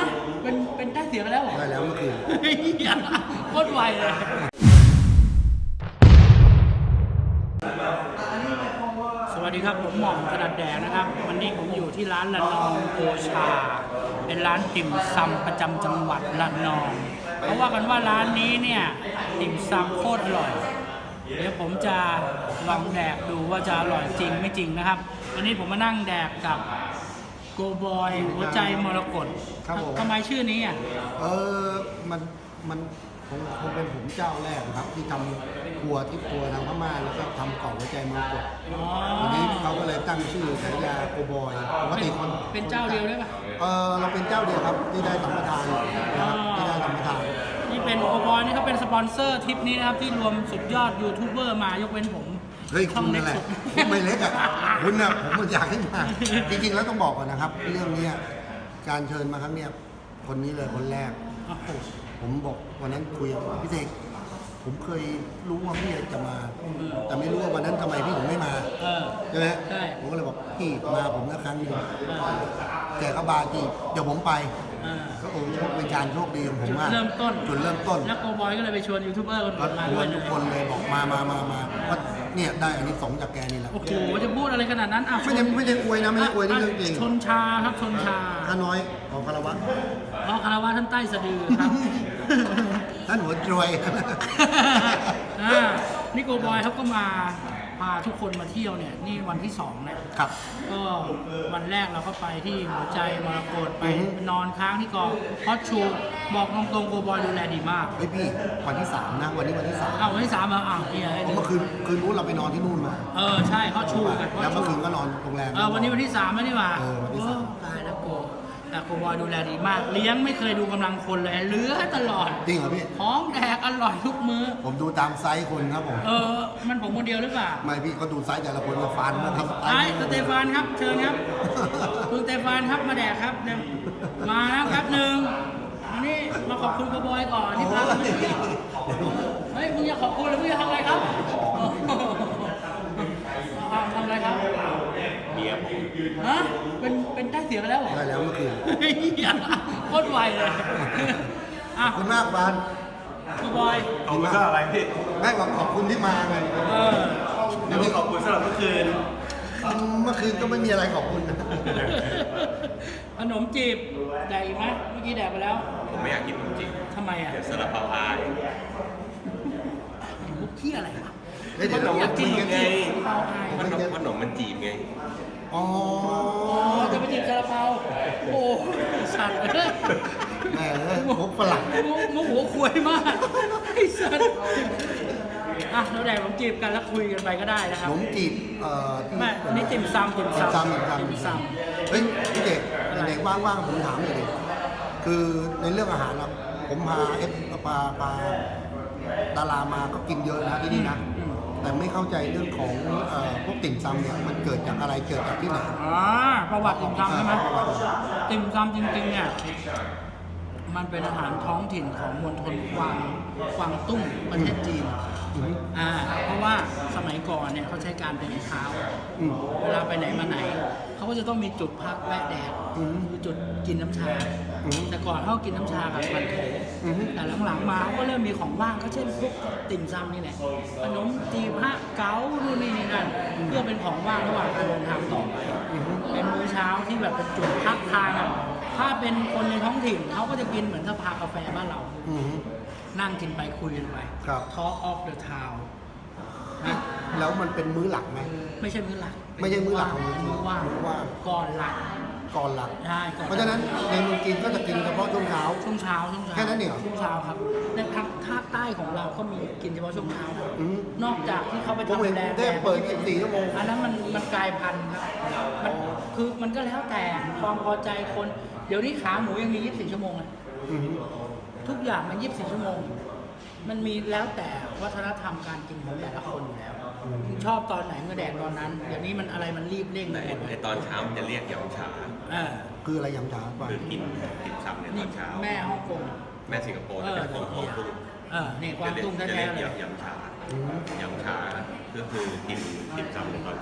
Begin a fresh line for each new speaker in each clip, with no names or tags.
เป็นได้เสียงแล้วเหรอ
ได้แล้วเมื่อคืน
โคตรไวเลยสวัสดีครับผมหม่อมถนัดแดกนะครับ วันนี้ผมอยู่ที่ร้านระนองโอชาเป็นร้านติ่มซำประจำจังหวัดระนองเขาว่ากันว่าร้านนี้เนี่ยติ่มซำโคตรอร่อยเดี๋ยวผมจะลองแดกดูว่าจะอร่อยจริงไม่จริงนะครับวันนี้ผมมานั่งแดกกับโกบอยหัวใจมรกต
ครับผม
ทำไมชื่อนี้อ่ะ
มันคงเป็นผมเจ้าแรกครับที่ทำครัวที่ครัวทางพม่าแล้วก็ทำกล่องหัวใจมรกตทีนี้เขาก็เลยตั้งชื่อฉายาโกบอยปกติคน
เป็นเจ้าเดียวได้ปะ
เราเป็นเจ้าเดียวครับที่ได้สัมปทานนะครับที่ได้สัมปทาน
นี่เป็นโกบอยนี่เขาเป็นสปอนเซอร์ทริปนี้นะครับที่รวมสุดยอดยูทูบเบอร์มายกเว้นผม
เฮ้ย
ช่
คุ
อง
ณ
เล็
นั่
ก
นแหละ
สุด
คุณไม่เล็กอ่ะคุณน่ะผมอยากให้มาจริงๆแล้วต้องบอกก่อนนะครับ เรื่องนี้การเชิญมาครั้งเนี้ยคนนี้เลยคนแรก
โอ้โห
ผมบอกวันนั้นคุยกับพี่เสกผมเคยรู้ว่าพี่จะมา แต่ไม่รู้ว่าวันนั้นทำไมพี่ถึงไม่มา ใช่ไหม
ใช่
ผมก็เลยบอกพี่มาผมนะครั้งหนึงแกก็บาจีเดี๋ยวผมไปก็โอ้โชคเป็นการโชคดีของผมมาก
เริ่มต้น
จุดเริ่มต้น
แล้วโกบอยก็เลยไปชวนยูทูบเบอร์คน
ก็
อื่นมา
ช
ด้
ว
วย
น
เล
ทุ
ย
กคนเลยบอกมาว่าเนี่ยได้อันนี้สงส์จากแกนี่แหละ
โอ้โหจะพูดอะไรขนาดนั้นอ่ะ
ไม่ได้อวยนะไม่ได้อวยนี่เรื่องจริง
ชนชาครับชนชา
ข้าน้อยของคารวะ
อ๋อคารวะท่านใต้สะดือครับ
ท่านหัวจรวย
นี่โกบอยเขาก็มาพาทุกคนมาเที่ยวเนี่ยนี่วันที่2นะครับ ก็วันแรกเราก็ไปที่หัวใจมรกตไปนอนค้างที่กองฮอตชูบอกตรงๆโกบอยดูแลดีมาก
เฮ้ยพี่วันที่3นะวันนี้วันที่3
อ้าววันที่3เหรออ้าวเนี่ย
ผมเมื่อคืนนู้นเราไปนอนที่นู่นมา
ใช่ฮอตชูกัน
แล้วเมื่อคืนก็นอนโรงแรม
วันนี้วันที่3แล้วนี่หว่า
วันที่
ตายแล้วโกแต่โกบอยดูแลดีมาก เลี้ยงไม่เคยดูกำลังคนเลยเหลือตลอด
จริงเหรอพี่
ของแดกอร่อยทุกมื้อ
ผมดูตามไซส์คนครับผม
มันผมคนเดียวหรือเปล่า
ไม่พี่เขาดูไซส์แต่ละคนมาฟันนะครับ
ไอ้สเตฟานครับเชิญครับ คุณสเตฟานครับมาแดกครับเดี๋ยวมาแล้วครับหนึ่งอันนี้มาขอบคุณโกบอยก่อนที่พาเรามาเที่ยวเฮ้ยมึงอยากขอบคุณหรือมึงอยากทำอะไรครับทำอะไรครับเมียผมฮะเป็นได้เสียงแล้วเหรอ
ได้แล้วเมื่อคืน
โคตรไวเลย
ขอบคุณมากฟัน
โกบอย
ขอบคุณสำหรับอะไรพี่
ไม่บอกขอบคุณที่มาไง
แล้วก็ขอบคุณสำหรับเมื่อคืน
เมื่อคืนก็ไม่มีอะไรขอบคุณนะ
ขนมจีบแดกอีกไหมเมื่อกี้แดกไปแล้ว
ผมไม่อยากกินจริง
ทำไมอ่ะ
เดี๋ยวซาลาเปาอาย
มุกขี้อะไรวะ
เฮ้ยเดี๋ยว
ขน
เรา
ม
อยากกิน
จีบไง
เปาอาย
ขนมมันจีบไง
อ๋อ
จะไปจีบซาลาเปาโอ้สัตว์
แหมมุกฝรั่ง
มุกหัวควยมากไอ้สัตว์เราแดกผมจีบกันแล้วคุยกันไปก็ได้นะค
ข
รับ
นมจีบที่
ไม่อันนี้ติ่มซำ
ติ่มซำเฮ้ยพี่เด็กเด็กว่างๆผมถามหน่อยดิคือในเรื่องอาหารนะผมพาพาดารามาก็กินเยอะนะที่นี่นะ แต่ไม่เข้าใจเรื่องของพวกติ่มซำเนี่ยมันเกิดจากอะไรเกิดจากที่ไหน
ประวัติติ่มซำใช่ไหม
ประวัติ
ติ่มซำจริงๆเนี่ยมันเป็นอาหารท้องถิ่นของมณฑลกวางตุ้งประเทศจีนเพราะว่าสมัยก่อนเนี่ยเขาใช้การเดินเท้าเวลาไปไหนมาไหนเขาก็จะต้องมีจุดพักแวะแดดคือจุดกินน้ำชาแต่ก่อนเขากินน้ำชากับมันโถแต่หลังๆมาเขาก็เริ่มมีของว่างก็เช่นพวกติ่มซำนี่แหละขนมจีบฮะเก๋านู่นนี่นั่นเพื่อเป็นของว่างระหว่างการเดินทางต่อไปเป็นมื้อเช้าที่แบบเป็นจุดพักทางถ้าเป็นคนในท้องถิ่นเขาก็จะกินเหมือนสภากาแฟบ้านเรานั่งกินไปคุยกันไป Talk of the Town นะ
แล้วมันเป็นมื้อหลักไหม
ไม่ใช่มื้อหลัก
ไม่ใช่มื้อหลักของ
มื้อว่างก่อนหลัก
ก่อนหลัก
ใช่ก่อน
เพราะฉะนั้นในเมืองจีนก็จะกินเฉพาะช่วงเช้า
ช่วงเช้า
แค่นั้นเองเหรอ
ช่วงเช้าครับในภาคใต้ของเราก็มีกินเฉพาะช่วงเช้านะนอกจากที่เขาไป
ผม
ทำ
เห็น
แด
ได้เปิด24 ชั่วโมง
อันนั้นมันกลายพันธุ์ครับมันก็แล้วแต่ความพอใจคน เดี๋ยวนี้ขาหมูยังมี 24 ชั่วโมงเลยทุกอย่างมัน 24 ชั่วโมง มันมีแล้วแต่วัฒนธรรมการกินของแต่ละคนอยู่แล้วชอบตอนไหนก็แดกตอนนั้น เดี๋ยวนี้มันอะไรมันรีบเร่ง
แต่
ไปหมด
ในตอนเช้ามันจะเรียกยำฉา
คืออะไรยำฉาป่ะ
คือกินติ่มซำในต
นี่
อนเช้า
แม่ฮ่องกง
แม่สิงคโปร์จะเป็นของตุ้ง
นี่กวางตุ้ง
จะ
แท้
เรียก
ๆเลย
ยำฉาก็คือกินติ่มซำในตอนเช้า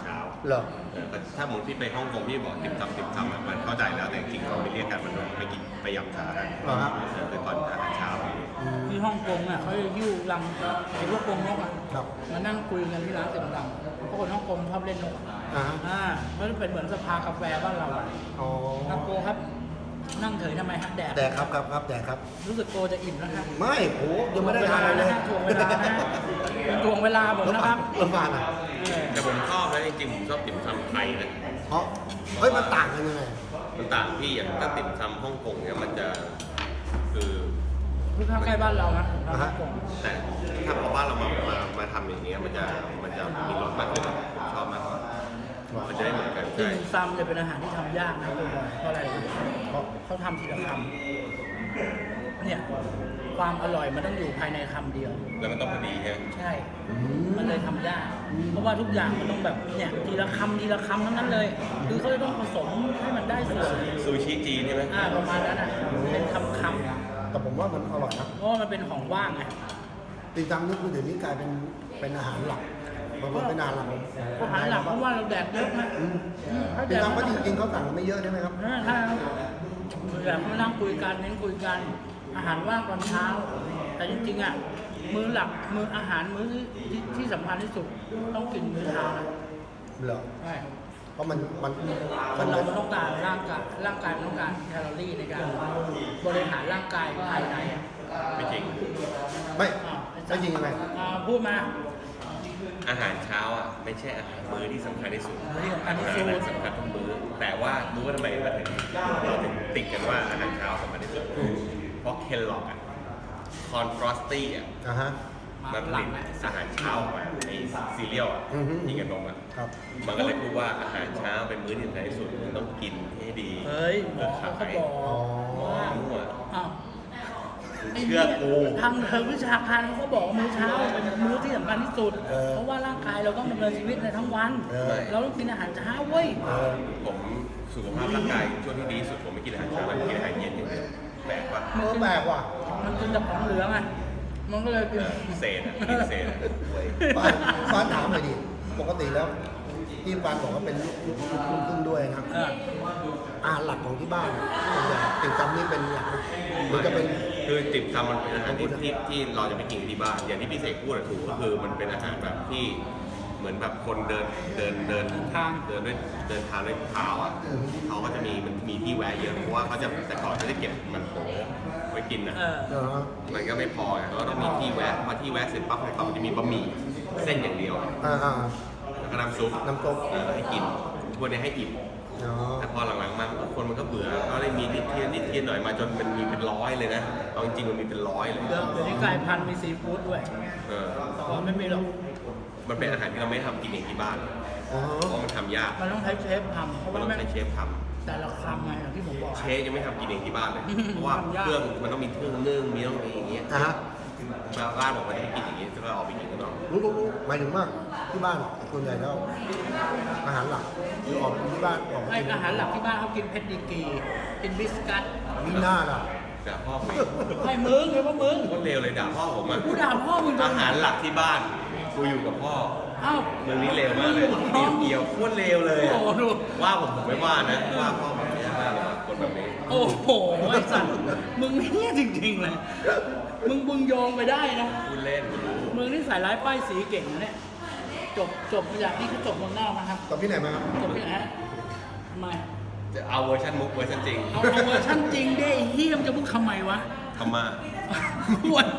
เหรอ
ถ้าหมุนพี่ไปฮ่องกงพี่บอกติ่มซำอะมันเข้าใจแล้วแต่จริงๆเขาไม่เรียกกันมันไปกินไปยำชากัน
เหรอครับ
คือตอนอาหารเช้า
ที่ฮ่องกงอ่ะเขาจะยิ้วลังไอ้พวกกรงนกอ่ะ
ครับ
มานั่งคุยกันที่ร้านเสียงดังเพราะคนฮ่องกงชอบเล่นนก
อ่าฮะ
มันเป็นเหมือนสภากาแฟบ้านเราอะ
อ๋อ
ครับโกครับ นั่งเฉยทำไมฮะแดด
แดกครับแดกครับ
รู้สึกโกจะอิ่มแล้วครับ
ไม่โอ้ยังไม่ได้ทานอะไรเลย
ถ่วงเวลานะเป็นถ่วงเวลาผมนะครับ
แล้วฟานอ่ะ
แต่ผมชอบนะจริงๆผมชอบติ่มซำไทยนะ
เพราะเฮ้ยมันต่างกันยังไง
มันต่างที่อย่างถ้าติ่มซำฮ่องกงเนี่ยมันจะคือ
คือข้างใกล้บ้านเรานะฮ่องกง
แต่ถ้าพอบ้านเรามาทำอย่างเงี้ยมันจะมีรสมากขึ้นผมชอบมากกว่ามันจะได้เหมือนกัน
ติ่
ใช่
มซำจะเป็นอาหารที่ทำยากนะคุณบอยเพราะอะไรเพราะเขาทำทีละคำเนี่ยความอร่อยมันต้องอยู่ภายในคำเดียว
แล้วมันต้องพอดีใช่ไหม
ใช่ มันเลยทำยาก เพราะว่าทุกอย่างมันต้องแบบเนี่ยทีละคำทั้งนั้นเลย คือเขาจะต้องผสมให้มันได้ส่วน
ซูชิจีนใช่ไหม
ประมาณนั้นอ่ะ เป็นคำ
แต่ผมว่ามันอร่อยนะ
เพราะว่ามันเป็นของว่างไง
ติ่มซำนี่คือเดี๋ยวนี้กลายเป็นอาหารหลักมันเป็นอาหารหลักของ
อาหารหลักเพราะว่าเราแดกเยอะนะถ้าแด
ติ่ม
ก
ซำก็จริงๆเขาสั่งไม่เยอะใช่ไหมครับ
ถ้าแบบมานั่งคุยกันเน้นคุยกัน อาหารว่างตอนเช้า แต่จริงๆอ่ะ มื้อหลัก มื้ออาหารมื้อที่สำคัญที่สุดต้องกินมื้อเช้านะ
เหรอ
ใช่
เพราะมัน
คนเรามันต้องการร่างกายมันต้องการแคลอรี่ในการบริหารร่างกายภายในอ่ะ
ไม่จริง
ไม่จริงยังไง
พูดมา
อาหารเช้าอ่ะไม่ใช่อาหารมื้อที่สำคัญที่สุด
มื้อที่สำคัญที่สุด
อาหารสำคัญทุกมื้อแต่ว่ารู้ว่าทำไมเราถึงติดกันว่าอาหารเช้าสำคัญที่สุดเพราะเคลล็อกอ่ะคอนฟรอสตี้อ่ะ
อ่าฮะ
มันผลิตอาหารเช้าออกมาไอ้ซีเรียลอ่ะ
อือฮึ
ที่กันนมอ่ะ
ครับ
มันก็เลยพูดว่าอาหารเช้าเป็นมื้อที่สำคัญที่สุดต้องกินให้ดี
เฮ้ยหมอเขาก็บอกว่า
มั่ว
อ้าว
เชื่อกู
ทางเทางวิชาการเขาก็บอกว่ามื้อเช้าเป็นมื้อที่สำคัญที่สุด เพราะว่าร่างกายเราต้องดำเนินชีวิตในทั้งวัน เราต้องกินอาหารเช้าเว้ย
ผมสุขภาพร่างกายช่วงที่ดีที่สุดผมไม่กินอาหารเช้าผมกินอาหารเย็นอย่างเดียวแปลกปะ
แปลกว่ะ
มันกินแต่ของเหลืองอ่ะ มันก็เลยกิน
เศษอ่ะกินเศษอ่ะเว้ย
ฟ้านถามหน่อยดิ ปกติแล้วที่ฟ้านบอกว่าเป็นลูกครึ่งด้วยนะ อาหารหลักของที่บ้านส่วนใหญ่ติ่มซำนี่เป็นหลักหรือจะเป็น
คือติ่มซำมันเป็นอาหารที่เราจะไปกินที่บ้าน อย่างที่พี่เสกพูดอะถูกก็คือมันเป็นอาหารแบบที่เหมือนแบบคนเดินด้วยเท้าด้วยเท้าอ่ะเขาก็จะมันมีที่แวะเยอะเพราะว่าเขาจะแต่ก่อนจะได้เก็บมันโถไว้กินอ่ะ มันก็ไม่พอไงเขาก็ต้องมีที่แวะพอที่แวะเสร็จปั๊บเขาจะมีบะหมี่เส้นอย่างเดียว แล้วก็น้ำซุป
น้ำซุป
ให้กินพวกนี้ให้อิ่ม
อ๋อ
แต่พอหลังๆมาคนมันก็เบื่อก็เลยมีนิดเทียนหน่อยมาจนมันมีเป็นร้อยเลยนะเอาจริงๆมันมีเป็นร้อยเลย
เดี๋ยวนี้กลายพันธุ์มีซีฟู้ดด้วย
เออ
แต่ก่อนไม่มีหรอก
มันเป็นอาหารที่เราไม่ทำกินเองที่บ้าน
อ๋อ
เพราะมันทำยาก
มันต้องใช้เชฟทำเพราะ
มัน
ว่า
ต้อง
แม่ง
ใช้เชฟท
แต่ละคำไงอย่างที่ผมบอก
ำเชฟยังไม่ทำกินเองที่บ้านเลยเพราะว่าเครื่องมันต้องมีเครื่องนึ่งมีต้องมีอย่างเงี้ย
อ่ะฮะ
บ้านบอกมันให้กินอย่างงี้ก็ออกไปกินกันเนาะ
รู้หมายถึงว่าที่บ้านส่วนใหญ่แล้วอาหารหลักคือออกที่บ้านออก
ไออาหารหลักที่บ้านเขากินเพชรดีกรีกินบิสกัต
มีหน้าล่ะ
ด่าพ่อผม
ให้มึงเลยว่ามึง
โคตรเลวเลยด่าพ่อผมอ่ะ
กูด่าพ่อมึง
อาหารหลักที่บ้านกูอยู่กับพ่อ
เอ้า
เมืองนี้เลวมากเลยเกี่ยวโคตรเลวเลยอะ
โอ้โหดู
ว่าผมไม่ว่านะว่าพ่อผมไม่ว่าเลยคนแบบนี้
โอ้โหไอ้สัตว์มึงเนี่ยจริงๆเลย มึงโยงไปได้นะ
พูดเล่นกูรู้
มึงนี่ใส่ร้ายป้ายสีเก่งนะเนี่ย จบมาจากที่เขาจบเมืองนอกนะครับ
กับที่ไหนมาครับ
จบที่ไหนฮะทำไม
จะเอาเวอร์ชันมุกเวอร์ชันจริง
เอาเวอร์ชันจริงได้ไอ้เฮียมจะมึงทำไมวะ
ทำมา
ปวด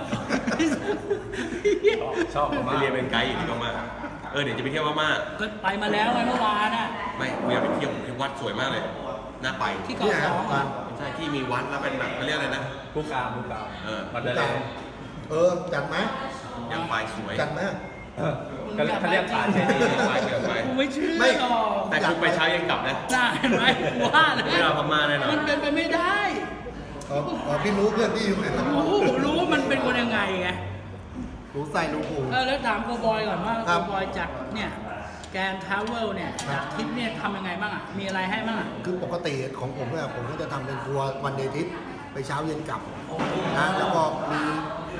ชอบไปเรียนเป็นไกด์อยู่ที่พม่าเดี๋ยวจะไปเที่ยวพม่า
ก็ไปมาแล้วไงเมื่อวานน่ะ
ไม่กูอยากไปเที่ยวที่วัดสวยมากเลยน่าไป
ที่เกาะสองอ่ะ
ใช่ที่มีวัดแล้วเป็นแบบเขาเรียกอะไรนะ
ผู้กาม
วัด
เด
อะไร
จัดไหม
อยากไปสวย
จัดไหม
ก็เขาเรียกป่าเจดีย์
อยากไป
กูไม่เชื่อ
ไม่
หรอก
แต่คุณไปเช้ายังกลับนะ
น่าเห็นไหมกูว่าแล้ว
ไม่เอาพม่าแน่นอน
มันเป็นไปไม่ได้
พี่รู้เพื่อนพี่อยู่ไหน
รู้ว่ามันเป็นคนยังไงไง
รู้ใส่รู้ผู
แล้วถามโกบอยก่อนว่า
ครั
โก
บ
บอยจัดเนี่ยแกนทาวเวลเนี่ยจัดทริปเนี่ยทำยังไงบ้างอ่ะ มีอะไรให้บ้างอ่ะ
คือปกติของผมเนี่ยผมก็จะทำเป็นทัวร์วันเดย์ทริปไปเช้าเย็นกลับนะแล้วก็มี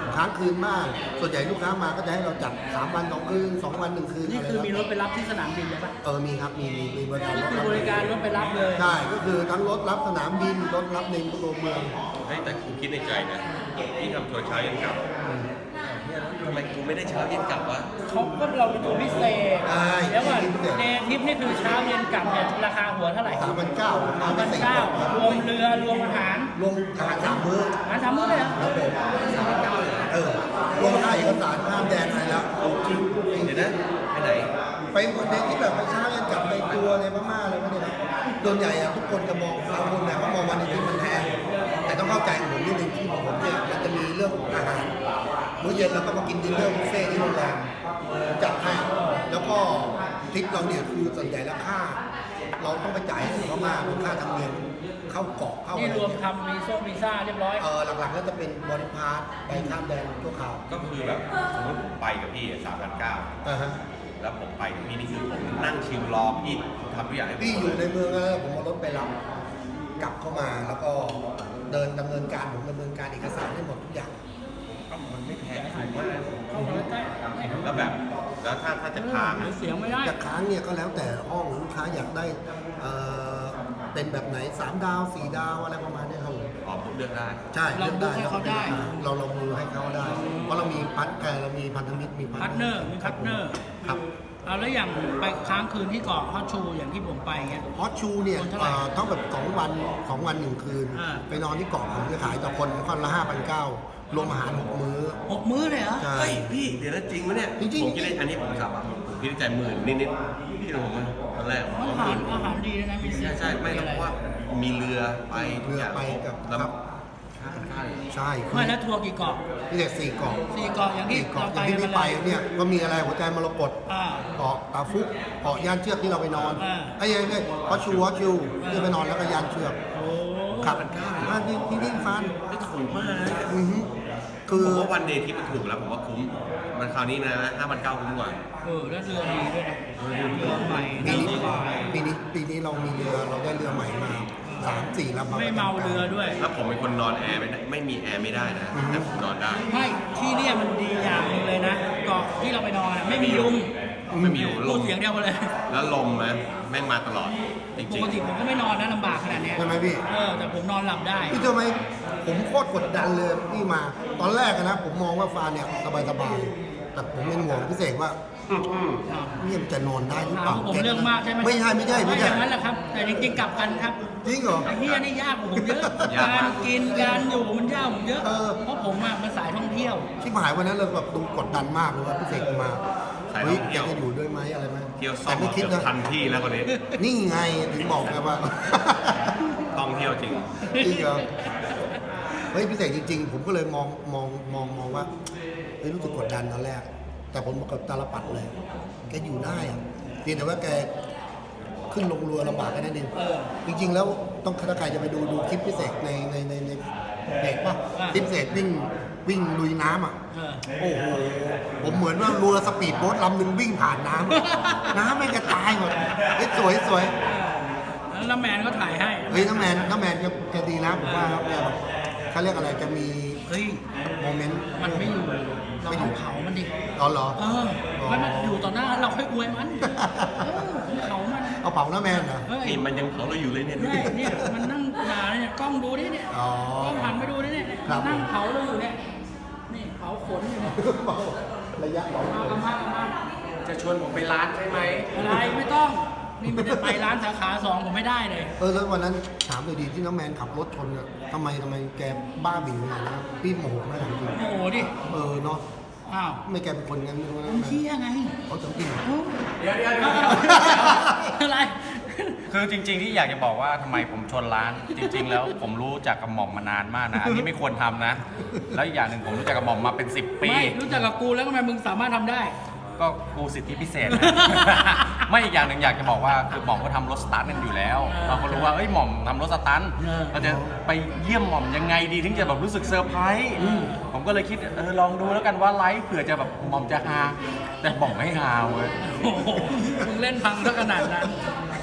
ค้างคืนมาก ส่วนใหญ่ลูกค้ามาก็จะให้เราจัด3 วัน 2 คืน 2 วัน 1 คืน
นี่
อะไร
คือมีร
แล้ว
ถไปรับที่สนามบินเลยปะ
มีครับมีบริการ
นี่คือบริการรถไปรับเลย
ใช่ก็คือทั้งรถรับสนามบินรถรับในตัวเมือง
เฮ้ยแต่กูคิดในใจนะพี่ทำทัวร์เช้าเย็นกลับเนี่ยทำไมกูไม่ได้เช้าเย็นกลับวะ
เขาก็เราเป็นตัวพิเศษ
ใช่
แล้วว่า
พิเศษ
เดย์ทริปนี่คือเช้าเย็นกลับเนี่ยราคาหัวเท่าไหร่
3,900
3,900รวมเรือรวมอาหาร
รวมอาหาร3 มื้อ
อาหาร3มื้อเลยเหรอ
ครับผมรวมค่าเอกสารข้ามแดนอะไรแล้ว
จริงเดี๋ยวนะไปไหน
ไปคนเดียวที่แบบไปเช้ายันกลับไปตัวในพม่าอะไรไม่ได้แบบส่วนใหญ่อะทุกคนจะมองบางคนเนี่ยเขามองวันอาทิตย์มันแพงแต่ต้องเข้าใจผมนิดนึงที่ของผมเนี่ยมันจะมีเรื่องของอาหารมื้อเย็นเราก็มากินดินเนอร์บุฟเฟ่ที่โรงแรมจัดให้แล้วก็ทริปเราเนี่ยคือส่วนใหญ่แล้วค่า เราต้องไปจ่ายให้เขามากเป็นค่าธรรมเนียมเข้าเกาะเข้า
นี่
อะไร
รวม
เนี่ย
ทำวีซ่าเรียบร้อย
หลักๆก็จะเป็นบริพาสไปข้ามแดนชั่วคราว
ก็คือแบบสมมติผมไปกับพี่3,900
ฮะ
แล้วผมไปกับพี่นี่คือผมนั่งชิลรอพี่ทำทุกอย่างให้ผม
พี่
หม
อยู่
ด
ใน
เลย
เมืองแล้วผมเอารถไปรับกลับเข้ามาแล้วก็เดินดำเนินการผมดำเนินการเอกสารให้หมดทุกอย่าง
ก็มันไม่แพงถูกมาก
เข้ามาใกล้
แล้วแบบแล้วถ้าจะค้าง
หรือเสียงไม่ได้
จะค้างเนี่ยก็แล้วแต่ห้องลูกค้าอยากได้เป็นแบบไหน3 ดาว 4 ดาวอะไรประมาณเนี้ยครับผม
อ๋อผมเลือกได้
ใช่เลือกได้
เราบุ๊กให้เขาได้
เรามือให้เขาได้ เพราะเรามีเรามีพันธมิตรมี
พาร์ทเนอร์มีพาร์ทเนอร์
ครับ
เอาแล้วอย่างไปค้างคืนที่เกาะฮอตชูอย่างที่ผมไปเงี้ย
ฮอตชูเนี่ย
คนเท่าไหร่
ต้องแบบ2 วัน 2 วัน 1 คืน
อ่า
ไปนอนที่เกาะผมจะขายต่อคนละ 5,900 รวมอาหาร 6 มื้อ
6 มื้อเลยเหรอ
ใช่
เฮ้ยพี่เดี๋ยวนะจริงไหมเนี่ย
จริงๆ
ผมคิดได้อันนี้ผมสับอ่ะผมคิดในใจ10,000นิดๆพี่รู้ผมไหมตอนแรกผม
อา
ว่า
หาร
10,000
อาหารดีนะมี
ใช่ไม่เพราะว่ามีเรือไปทุกอย่าง
เรือไปกับ
แล้ว
ครับ
ค่าเลย
ใช่คือ
ไม่แล้วทัวร์กี่เกาะ
พี่เด็ก4 เกาะ
4 เกาะอย่างที่
4
เรา
เกาะ
ไป
อย่างที่
กัน
พี่
ไป
ไป
เลย
เนี่ยก็มีอะไรหัวใจมรกต
อ่า
เกาะตาฟุกเกาะยานเชือกที่เราไปนอน
อ่า
ไอ้ฮอตชูที่ไปนอนแล้วก็ยานเชือก
โอ้
ครับที่ฟัน
ไม่ถูกมากนะ
อือฮึคือ
ผมว่าวันเดย์ที่มันถูกแล้วผมว่าคุ้มมันคราวนี้นะ5,900คุ้มกว่า
แล้วเรือดีด้วยนะเรือใหม่
ปี
นั่ง
นี้
สบาย
ปีนี้เรามีเรือเราได้เรือใหม่มา3-4 ลำ
ไม่เมาเรือด้วย
แล้วผมเป็นคนนอนแอร์ไม่มีแอร์ไม่ได้นะแต่ผมนอนได้
ไม่ที่เนี่ยมันดีอย่างหนึงเลยนะเกาะที่เราไปนอนอะไม่มียุง
ไม่มีล
พูด
ม
เสียงเดียวกันเลย
แล้วลมนะแม่งมาตลอดจ
ป
ริง
กติผมก็ไม่นอนนะลำบากขนาดเนี้ย
ใช่ไหมพี่
แต่ผมนอนหลับได้
พี่เชื่อไหมผมโคตรกดดันเลยที่มา ตอนแรกอะนะผมมองว่าฟานเนี่ยสบายๆแต่ผมเป็นห่วงพิเศษว่าเนี่ยมันจะนอนได้หรือเปล่า
ผมเรื่องมากใช่ไหม
ไม่ใช่
ไม่อย่างนั้นแหละครับ แต่จริงๆกลับกันครับ
จริงเหรอ
ไอ้เฮียนี่ยากกว่าผมเยอะการกินการอยู่มันยากกว่าผมเยอะ เพราะผมมันสายท่องเที่ยว
ชิบหายวันนั้นเราแบบดูกดดันมากเลยว่าพิเศษมา
สายท่
เฮ้ย
อง
แก
เที่ยว
จะอยู่ด้วยไหมอะไรไหม
เที่ยวซ่อ
แต่
ม
ไม่คิด
เกือบ
นะ
ทันที่แล้วคนนี้
นี่ไงถึงบอกไงว่า
ท่องเที่ยวจริง
จริงเหรอเฮ้ยพิเศษจริง ๆ ผมก็เลยมองว่าเฮ้ยรู้สึกกดดันตอนแรก แต่ผมบอกกับตาลปัดเลยแกอยู่ได้อะเพียงแต่ว่าแกขึ้นลงเรือลำบากแค่นั้นเองจริง ๆ แล้วต้องถ้าใครจะไปดูคลิปพิเศษในเพจป่ะคลิปพิเศษวิ่งลุยน้ำอ่ะ โอ้โห ผมเหมือนว่าเรือสปีดโบ๊ทลำหนึ่งวิ่งผ่านน้ำอะน้ำไม่กระจายหมดเฮ้ยสวย
แล้วน้ำแมนก็ถ่ายให้
เฮ้ยน้ำแมนแกดีนะผมว่าแกแบบเขาเรียกอะไรจะมี
เฮ้ย
โมเมนต์
มันไม่อยู่ เราต้องเผามันดิ
เหรอ
มันอยู่ต่อหน้าเราค่อยอวยมันเผามัน
เอาเผาน้ำแมนเหรอ
เฮ้ย
นี่มันยังเผาเราอยู่เลยเนี่ย
เนี่ยมันนั่งด่าเนี่ยกล้องดูดิเนี่ย
อ๋อก
ล้องหันไปดูดิเนี่ย
ครับ
นั่งเผาเราอยู่เนี่ย นี่เผาขนอยู่เนี่ย
ระยะเผา
มา
จะชวนผมไปร้านใช่ไหม
อะไรไม่ต้อง นี่มันจะไปร้านสาขา2ผมไม่ได้เลย
แล้ววันนั้นถามเลยดีที่น้ำแมนขับรถชนเนี่ยทำไมแกบ้าบิ่งขนาดนั้นพี่โมโหไหมถามจริง
โอ้โหดิ
เนาะ
อ้าว
ไม่แกเป็นคนงั้นไม่รู้นะ
ผมเที่ยไง
เขาจะปิ้ง
โอ้
เดี๋ยว
อะไร
คือจริง ๆ ที่อยากจะบอกว่าทำไมผมชนร้าน จริง ๆ แล้วผมรู้จักกับหม่อมมานานมากนะ อันนี้ไม่ควรทำนะ แล้วอีกอย่างหนึ่งผมรู้จักกับหม่อมมาเป็น 10 ปี
ไม่รู้จักกับกูแล้วทำไมมึงสามารถทำได้
ก็กูสิทธิพิเศษนะ ไม่อีกอย่างหนึ่งอยากจะบอกว่าคือหม่อมก็ทำรถสตาร์ทกันอยู่แล้ว เราก็รู้ว่าเอ้ยหม่อมทำรถสตาร์ทเราจะไปเยี่ยมหม่อมยังไงดีถึงจะแบบรู้สึกเซอร์ไพรส์ผมก็เลยคิดลองดูแล้วกันว่าไลฟ์เผื่อจะแบบหม่อมจะฮาแต่หม่อมไม่ฮาเว้ย
โอ้โหมึงเล่นพังซะขนาดนั้น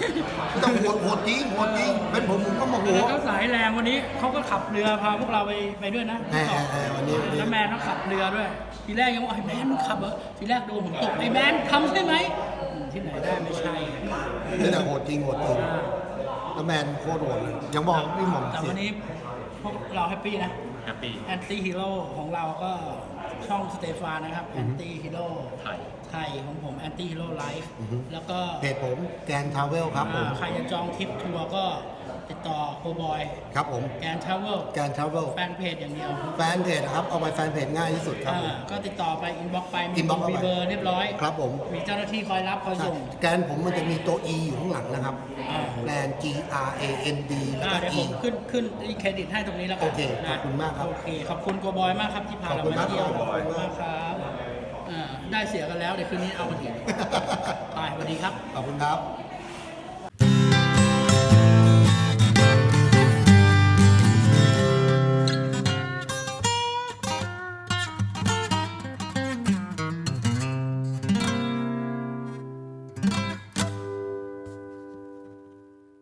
ไม่ต้องโหดจริงโหดจริงเป็นผมก็โมโห
แล้วเขาสายแรงวันนี้เขาก็ขับเรือพาพวกเราไปด้วยนะ
วันนี้
แล้วแมนเขาขับเรือด้วย ทีแรกยังว่าไอ้แมนมึงขับเหรอทีแรกโดนผมตกไอ้แมนทำใช่ไหมที่ไหนได้ไม่ใช่
นี่แต่โหดจริงแล้วแมนโคตรโหดเลยยังบอกพี่หม่อม
แต่วันนี้พวกเราแฮปปี้นะ
แฮปปี้
แอนตี้ฮีโร่ของเราก็ช่องสเตฟานนะครับแอนตี้ฮีโร่
ไทย
ของผมแอนตี้ฮีโร่ไลฟ์แล้วก็
เพจผมแกนทราเวลครับผม
ใครจะจองทริปทัวร์ก็ติดต่อโกบอย
ครับผม
แกนทราเวล
แกนทราเวล
แฟนเพจอย่างเดียว
แฟนเพจนะครับเอาไปแฟนเพจง่ายที่สุดครับผม
ก็ติดต่อไปอินบ็อกไปมี
inbox เข้าไป
มีเบอร์เรียบร้อย
ครับผม
มีเจ้าหน้าที่คอยรับคอยส่ง
แกนผมมันจะมีตัว E อยู่ข้างหลังนะครับ
อ่า
แกน G R A N D แล้วก็
เดี๋ยวผ
E
มขึ้นเครดิตให้ตรงนี้แล้วกัน
โอเค
นะ
ขอบคุณมากครับ
โอเคขอบคุณโกบอยมากครับที่พาเรา
ขอบคุณ
มาเที่ยว
ครับ
ขอบคุณมากครับได้เสียกันแล้วเดี๋ยวคืนนี้เอามา ถีบไปสวัสดีครับ
ขอบคุณครับ